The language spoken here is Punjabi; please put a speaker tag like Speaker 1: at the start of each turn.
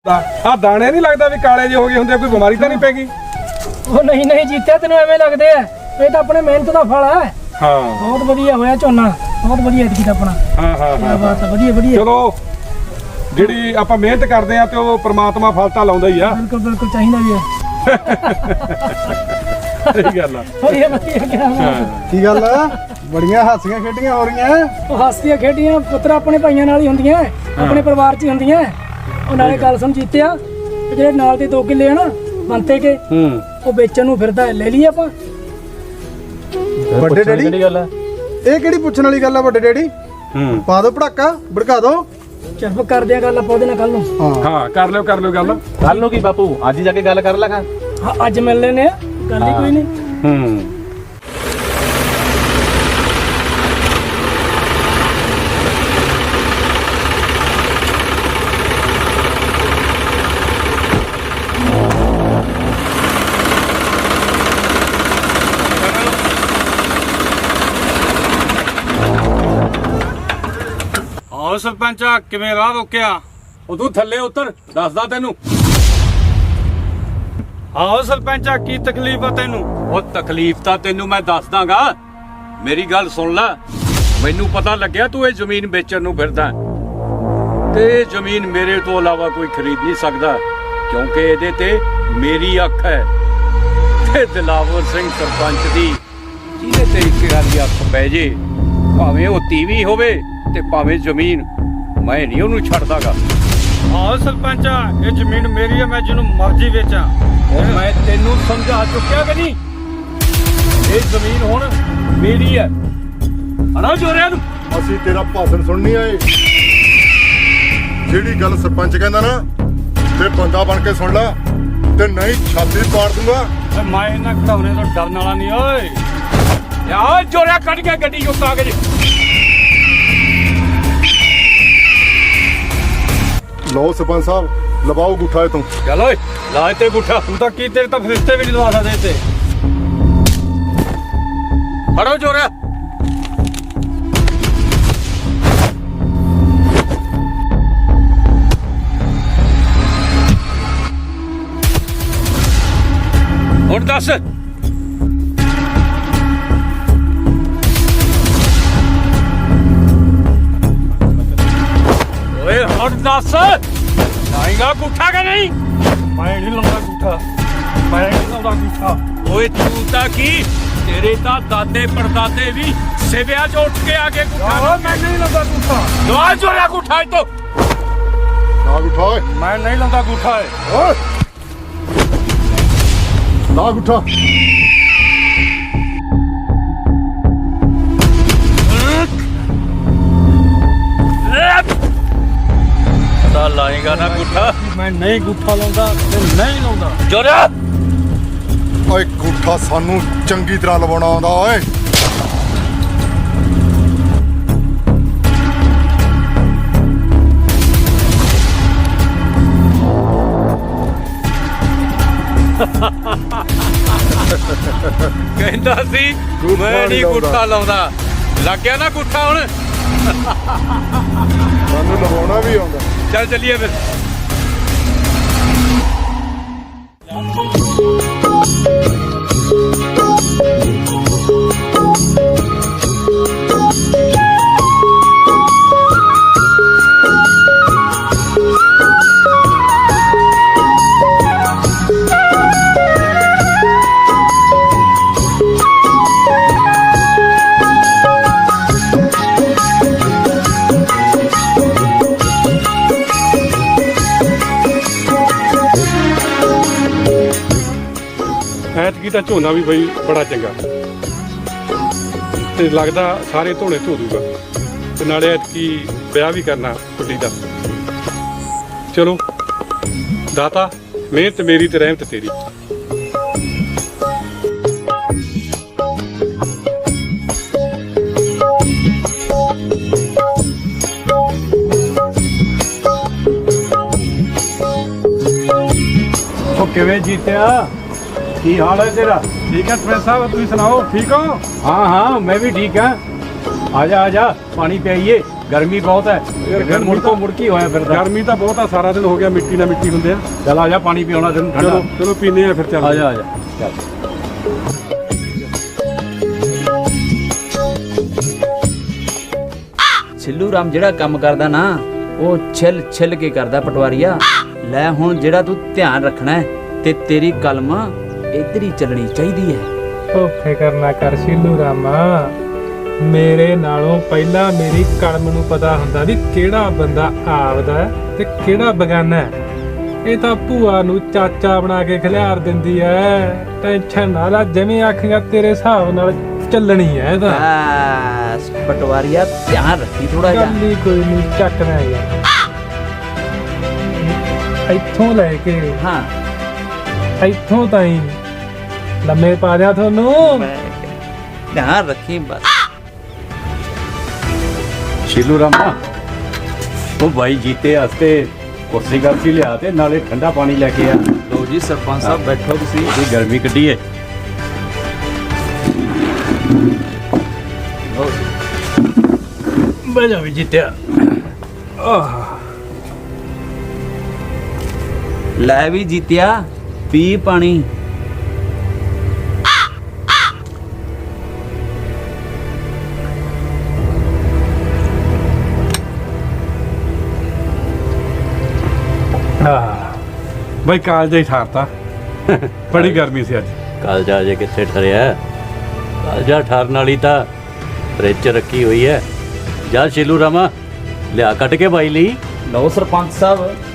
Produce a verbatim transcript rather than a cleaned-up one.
Speaker 1: ਆ ਦਾਣੇ ਨਹੀਂ ਲੱਗਦਾ ਵੀ ਕਾਲੇ ਜਿਹੇ ਹੋ ਗਏ ਹੁੰਦੇ, ਕੋਈ ਬਿਮਾਰੀ ਤਾਂ ਨਹੀਂ ਪੈ ਗਈ?
Speaker 2: ਉਹ ਨਹੀਂ ਨਹੀਂ ਜੀਤਿਆ, ਤੈਨੂੰ ਐਵੇਂ ਲੱਗਦੇ ਆ, ਇਹ ਤਾਂ ਆਪਣੇ ਮਿਹਨਤ ਦਾ ਫਲ ਹੈ।
Speaker 1: ਹਾਂ
Speaker 2: ਬਹੁਤ ਵਧੀਆ ਹੋਇਆ ਝੋਨਾ, ਬਹੁਤ ਵਧੀਆ ਐਤਕੀ ਤਾਂ ਆਪਣਾ।
Speaker 1: ਹਾਂ ਹਾਂ
Speaker 2: ਕਿਆ ਬਾਤ ਹੈ, ਵਧੀਆ ਵਧੀਆ।
Speaker 1: ਚਲੋ ਜਿਹੜੀ ਆਪਾਂ ਮਿਹਨਤ ਕਰਦੇ ਆ ਤੇ ਉਹ ਪ੍ਰਮਾਤਮਾ ਫਲ ਤਾਂ ਲਾਉਂਦਾ ਹੀ ਆ।
Speaker 2: ਬਿਲਕੁਲ ਬਿਲਕੁਲ ਚਾਹੀਦਾ ਵੀ ਹੈ।
Speaker 1: ਸਹੀ ਗੱਲ ਆ।
Speaker 2: ਵਧੀਆ ਵਧੀਆ ਕਿਆ ਬਾਤ ਹੈ।
Speaker 3: ਕੀ ਗੱਲ ਆ, ਬੜੀਆਂ ਹਾਸੀਆਂ ਖੇਡੀਆਂ ਹੋ ਰਹੀਆਂ।
Speaker 2: ਉਹ ਹਾਸੀਆਂ ਖੇਡੀਆਂ ਪੁੱਤਰ ਆਪਣੇ ਭਾਈਆਂ ਨਾਲ ਹੀ ਹੁੰਦੀਆਂ, ਆਪਣੇ ਪਰਿਵਾਰ 'ਚ ਹੀ ਹੁੰਦੀਆਂ। ਉਹ ਨਾਲੇ ਗੱਲ ਸੁਣ ਜੀਤਿਆ, ਜਿਹੜੇ ਨਾਲ ਦੇ ਦੋ ਕਿੱਲੇ ਆ ਨਾ ਬੰਤੇ ਕੇ,
Speaker 1: ਹੂੰ
Speaker 2: ਉਹ ਵੇਚਣ ਨੂੰ ਫਿਰਦਾ, ਲੈ ਲਈਏ ਆਪਾਂ।
Speaker 3: ਵੱਡੇ ਡੈਡੀ
Speaker 1: ਕਿਹੜੀ ਗੱਲ ਆ?
Speaker 3: ਇਹ ਕਿਹੜੀ ਪੁੱਛਣ ਵਾਲੀ ਗੱਲ ਆ ਵੱਡੇ ਡੈਡੀ?
Speaker 1: ਹੂੰ
Speaker 3: ਪਾ ਦੋ ਪੜਾਕਾ, ਭੜਕਾ ਦੋ।
Speaker 2: ਚੱਲ ਕਰਦੇ ਆ ਗੱਲ ਆਪਾਂ ਉਹਦੇ ਨਾਲ ਕੱਲ ਨੂੰ।
Speaker 3: ਹਾਂ
Speaker 1: ਹਾਂ ਕਰ ਲਿਓ ਕਰ ਲਿਓ ਗੱਲ।
Speaker 4: ਕੱਲ ਨੂੰ ਕੀ ਬਾਪੂ, ਅੱਜ ਹੀ ਜਾ ਕੇ ਗੱਲ ਕਰ ਲਾਂਗਾ।
Speaker 2: ਹਾਂ ਅੱਜ ਮਿਲ ਲੈਨੇ ਆ, ਗੱਲ ਹੀ ਕੋਈ ਨਹੀਂ।
Speaker 1: ਹੂੰ
Speaker 5: ਆਹ ਸਰਪੰਚਾ ਕਿਵੇਂ ਰਾਹ ਰੋਕਿਆ?
Speaker 1: ਉਹ ਤੂੰ ਥੱਲੇ ਉਤਰ, ਦੱਸਦਾ ਤੈਨੂੰ।
Speaker 5: ਆਹੋ ਸਰਪੰਚਾ ਕੀ ਤਕਲੀਫ ਆ ਤੈਨੂੰ?
Speaker 6: ਉਹ ਤਕਲੀਫ ਤਾਂ ਤੈਨੂੰ ਮੈਂ ਦੱਸ ਦਾਂਗਾ, ਮੇਰੀ ਗੱਲ ਸੁਣ ਲੈ। ਮੈਨੂੰ ਪਤਾ ਲੱਗਿਆ ਤੂੰ ਇਹ ਜ਼ਮੀਨ ਵੇਚਣ ਨੂੰ ਫਿਰਦਾ, ਤੇ ਇਹ ਜ਼ਮੀਨ ਮੇਰੇ ਤੋਂ ਇਲਾਵਾ ਕੋਈ ਖਰੀਦ ਨਹੀਂ ਸਕਦਾ, ਕਿਉਂਕਿ ਇਹਦੇ ਤੇ ਮੇਰੀ ਅੱਖ ਹੈ ਤੇ ਦਿਲਾਵਰ ਸਿੰਘ ਸਰਪੰਚ ਦੀ। ਜਿਹਦੇ ਤੇ ਇੱਕ ਵਾਰੀ ਅੱਖ ਪੈ ਜੇ, ਭਾਵੇਂ ਉਹ ਤੀਵੀਂ ਹੋਵੇ ਤੇ ਭਾਵੇਂ ਜ਼ਮੀਨ, ਮੈਂ ਨਹੀਂ ਉਹਨੂੰ ਛੱਡਦਾਗਾ।
Speaker 5: ਆਹੋ ਸਰਪੰਚਾ ਇਹ ਜ਼ਮੀਨ ਮੇਰੀ ਆ, ਮੈਂ ਜਿਹਨੂੰ ਮਰਜ਼ੀ ਵੇਚਾਂ।
Speaker 6: ਉਹ ਮੈਂ ਤੈਨੂੰ ਸਮਝਾ ਚੁੱਕਿਆ ਕਿ ਨਹੀਂ? ਇਹ ਜ਼ਮੀਨ ਹੁਣ ਮੇਰੀ ਹੈ। ਹਣਾ ਜੋਰਿਆਂ ਨੂੰ
Speaker 7: ਅਸੀਂ ਤੇਰਾ ਭਾਸ਼ਣ ਸੁਣ ਨਹੀਂ ਆਏ। ਜਿਹੜੀ ਗੱਲ ਸਰਪੰਚ ਕਹਿੰਦਾ ਨਾ, ਤੇ ਬੰਦਾ ਬਣ ਕੇ ਸੁਣ ਲੈ, ਤੇ ਨਹੀਂ ਛਾਤੀ ਪਾੜ ਦੂੰਗਾ।
Speaker 5: ਓਏ ਮੈਂ ਇਹਨਾਂ ਘੜਾਉਣੇ ਤੋਂ ਡਰਨ ਵਾਲਾ ਨਹੀਂ। ਓਏ
Speaker 6: ਯਾ ਜੋਰਿਆ ਕੱਢ ਕੇ ਗੱਡੀ ਚੋਂ ਕਾਗਜ਼।
Speaker 7: ਲਓ ਸਰਪੰਚ ਸਾਹਿਬ, ਲਵਾਓ ਗੁੱਠਾ ਇਹ ਤੋਂ।
Speaker 6: ਚੱਲ ਓਏ ਲਾ ਤੇ ਗੁੱਠਾ।
Speaker 5: ਤੂੰ ਤਾਂ ਕੀ, ਤੇਰੇ ਤਾਂ ਫਰਿਸ਼ਤੇ ਵੀ ਨਹੀਂ ਲਵਾ ਸਕਦੇ ਤੇ।
Speaker 6: ਫੜੋ ਜੋਰਿਆ। ਹੁਣ ਦੱਸ, ਓਏ ਹੁਣ ਦੱਸ, ਲਾਏਗਾ ਗੁੱਠਾ ਕਿ ਨਹੀਂ?
Speaker 5: ਮੈਂ ਨਹੀਂ ਲਾਉਂਦਾ ਗੂਠਾ, ਮੈਂ ਨਹੀਂ ਲਾਉਂਦਾ ਗੂਠਾ।
Speaker 6: ਓਏ ਤੂੰ ਤਾਂ ਕੀ, ਤੇਰੇ ਤਾਂ ਦਾਦੇ ਪੜਦਾਦੇ ਵੀ ਸਿਵਿਆਂ 'ਚ ਉੱਠ ਕੇ ਆ ਕੇ ਗੁੱਠਾ।
Speaker 5: ਮੈਂ ਨਹੀਂ ਲਾਉਂਦਾ ਗੂਠਾ,
Speaker 6: ਲਵਾ ਜੋਰਿਆ ਗੁੱਠਾ ਇੱਥੋਂ।
Speaker 7: ਲਾ ਗੁੱਠਾ ਓਏ,
Speaker 5: ਮੈਂ ਨਹੀਂ ਲਾਉਂਦਾ ਗੂਠਾ।
Speaker 7: ਓਏ ਲਾ ਗੁੱਠਾ।
Speaker 6: ਤਾਂ ਲਾਏਗਾ ਨਾ ਗੁੱਠਾ?
Speaker 5: ਮੈਂ ਨਹੀਂ ਗੂਠਾ ਲਾਉਂਦਾ ਤੇ ਨਹੀਂ ਲਾਉਂਦਾ।
Speaker 6: ਜੋਰਿਆ
Speaker 7: ਓਏ ਗੁੱਠਾ ਸਾਨੂੰ ਚੰਗੀ ਤਰ੍ਹਾਂ ਲਵਾਉਣਾ ਆਉਂਦਾ ਓਏ।
Speaker 6: ਕਹਿੰਦਾ ਸੀ ਮੈਂ ਨਹੀਂ ਗੁੱਠਾ ਲਾਉਂਦਾ, ਲੱਗ ਗਿਆ ਨਾ ਗੁੱਠਾ ਹੁਣ।
Speaker 7: ਸਾਨੂੰ ਲਵਾਉਣਾ ਵੀ ਆਉਂਦਾ।
Speaker 6: ਚੱਲ ਚੱਲੀਏ ਫਿਰ।
Speaker 1: ਐਤਕੀ ਤਾਂ ਝੋਨਾ ਵੀ ਬਈ ਬੜਾ ਚੰਗਾ, ਤੇ ਲੱਗਦਾ ਸਾਰੇ ਧੋਣੇ ਧੋ ਦੂਗਾ, ਤੇ ਨਾਲੇ ਐਤਕੀ ਵਿਆਹ ਵੀ ਕਰਨਾ ਕੁੜੀ ਦਾ। ਚਲੋ ਦਾਤਾ, ਮਿਹਨਤ ਮੇਰੀ ਤੇ ਰਹਿਮਤ ਤੇਰੀ।
Speaker 5: ਉਹ ਕਿਵੇਂ ਜੀਤਿਆ? ਕੀ ਹਾਲ ਹੈ ਤੇਰਾ?
Speaker 1: ਠੀਕ ਹੈ ਸਰਪੰਚ ਸਾਹਿਬ, ਤੁਸੀਂ ਸੁਣਾਓ, ਠੀਕ ਹੋ?
Speaker 6: हाँ हाँ मैं भी ठीक है। आजा आजा पानी पियाइए। ਗਰਮੀ ਬਹੁਤ ਹੈ ਫਿਰ ਮੁੜਕੋ ਮੁੜਕੀ ਹੋਇਆ ਫਿਰਦਾ
Speaker 1: ਗਰਮੀ ਤਾਂ ਬਹੁਤ ਆ, ਸਾਰਾ ਦਿਨ ਹੋ ਗਿਆ ਮਿੱਟੀ ਨਾਲ ਮਿੱਟੀ ਹੁੰਦੇ ਆ।
Speaker 6: ਚੱਲ ਆ ਜਾ ਪਾਣੀ ਪਿਆਉਣਾ ਤੈਨੂੰ ਠੰਡਾ
Speaker 1: ਚਲੋ ਚਲੋ ਪੀਨੇ ਆ ਫਿਰ ਚੱਲ
Speaker 6: ਆ ਜਾ ਆ ਜਾ ਚੱਲ
Speaker 8: ਛਿੱਲੂ ਰਾਮ ਜਿਹੜਾ ਕੰਮ ਕਰਦਾ ਨਾ ਉਹ ਛਿੱਲ ਛਿੱਲ ਕੇ ਕਰਦਾ ਪਟਵਾਰੀਆ। ਲੈ ਹੁਣ ਜਿਹੜਾ ਤੂੰ ਧਿਆਨ ਰੱਖਣਾ ਹੈ ਤੇ ਤੇਰੀ ਕਲਮ ਇੱਧਰ ਹੀ ਚੱਲਣੀ ਚਾਹੀਦੀ ਹੈ।
Speaker 9: ਉਹ ਫਿਕਰ ਨਾ ਕਰ ਸ਼ੀਲੂ ਰਾਮਾ, ਮੇਰੇ ਨਾਲੋਂ ਪਹਿਲਾਂ ਮੇਰੀ ਕਲਮ ਨੂੰ ਪਤਾ ਹੁੰਦਾ ਵੀ ਕਿਹੜਾ ਬੰਦਾ ਆਪਦਾ ਹੈ ਤੇ ਕਿਹੜਾ ਬਗਾਨਾ ਹੈ। ਇਹ ਤਾਂ ਭੂਆ ਨੂੰ ਚਾਚਾ ਬਣਾ ਕੇ ਖਿਲਾਰ ਦਿੰਦੀ ਐ। ਟੈਨਸ਼ਨ ਨਾ ਲੈ, ਜਿਵੇਂ ਆਖੇਗਾ ਤੇਰੇ ਹਿਸਾਬ ਨਾਲ ਚੱਲਣੀ ਐ। ਇਹ ਤਾਂ
Speaker 8: ਬਸ ਪਟਵਾਰੀਆ ਧਿਆਨ ਰੱਖੀ ਥੋੜਾ ਜਿਹਾ।
Speaker 9: ਗੱਲ ਹੀ ਕੋਈ ਨਹੀਂ, ਚੱਕਣਾ ਯਾਰ ਇੱਥੋਂ ਲੈ ਕੇ
Speaker 8: ਹਾਂ
Speaker 9: ਇੱਥੋਂ ਤਾਈਂ ਲੰਮੇ ਪਾ ਦਿਆਂ ਤੁਹਾਨੂੰ।
Speaker 8: ਧਿਆਨ ਰੱਖੀ ਬਸ।
Speaker 6: ਸ਼ੀਲੂ ਰਾਮਾ ਉਹ ਭਾਈ ਜੀਤੇ ਵਾਸਤੇ ਕੁਰਸੀ ਕਰਸੀ ਲਿਆ ਤੇ ਨਾਲੇ ਠੰਡਾ ਪਾਣੀ ਲੈ ਕੇ ਆ।
Speaker 8: ਲੋ ਜੀ ਸਰਪੰਚ ਸਾਹਿਬ ਬੈਠੋ ਤੁਸੀਂ।
Speaker 6: ਇਹ ਗਰਮੀ ਕੱਢੀ ਏ।
Speaker 9: ਬਹਿ ਜਾ ਵੀ ਜੀਤਿਆ।
Speaker 8: ਲੈ ਵੀ ਜੀਤਿਆ ਪੀ ਪਾਣੀ।
Speaker 1: ਬਾਈ ਕਾਲਜ ਹੀ ਠਾਰਤਾ ਬੜੀ ਗਰਮੀ ਸੀ ਅੱਜ।
Speaker 6: ਕਾਲਜਾ ਜੇ ਕਿੱਥੇ ਠਰਿਆ, ਕਾਲਜਾ ਠਰਨ ਵਾਲੀ ਤਾਂ ਫਰਿੱਜ 'ਚ ਰੱਖੀ ਹੋਈ ਹੈ। ਜਾ ਸ਼ੀਲੂ ਰਾਮਾ ਲਿਆ ਕੱਢ ਕੇ ਬਾਈ ਲਈ।
Speaker 8: ਲਓ ਸਰਪੰਚ ਸਾਹਿਬ